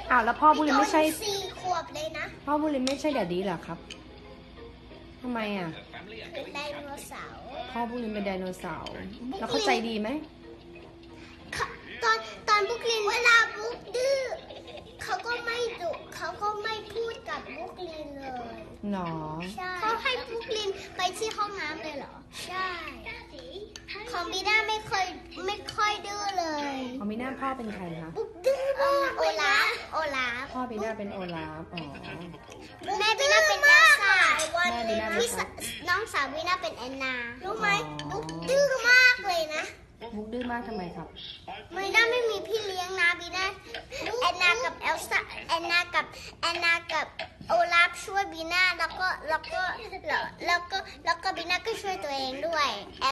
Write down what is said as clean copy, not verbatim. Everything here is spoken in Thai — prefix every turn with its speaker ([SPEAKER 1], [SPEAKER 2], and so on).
[SPEAKER 1] อ้าวแล้วพ่อบุรินไม่ใช่
[SPEAKER 2] 4 ขวบเลยนะ
[SPEAKER 1] พ่อบุรินไม่ใช่แดดดี้เหรอครับทำไมอ่ะ
[SPEAKER 2] เป็นไดโนเสาร์
[SPEAKER 1] พ่อบุรินเป็นไดโนเสาร์แล้วเขาใจดีไหม
[SPEAKER 2] ตอนบุกลินเวลาบุกดื้อเขาก็ไม่ดุเขาก็ไม่พูดกับบุกลินเลย
[SPEAKER 1] หนอ
[SPEAKER 2] ใช่เขาให้บุกลินไปที่ห้องน้ำเลยเหรอ ใช่ของบีน่าไม่ค่อยดื้อเลย
[SPEAKER 1] เอามีหน้าพ่อเป็นใครคะ
[SPEAKER 2] บุกดื้อมากโอลาฟ
[SPEAKER 1] พ่อบีน่าเป็นโอลาฟอ๋อ
[SPEAKER 2] แม่บีน่าเป็นเอลซ่า
[SPEAKER 1] แม่บีน่าเป็น
[SPEAKER 2] น้องสาวบีน่าเป็นแอนนารู้ไหม
[SPEAKER 1] อ๋อ
[SPEAKER 2] บุกดื้อมากเลยนะ
[SPEAKER 1] มุกดื้อมากทำไมครับ
[SPEAKER 2] บีน่าไม่มีพี่เลี้ยงนะบีน่าแอนนากับเอลซ่าแอนนากับโอลาฟช่วยบีน่าแล้วก็บีน่าก็ช่วยตัวเองด้วย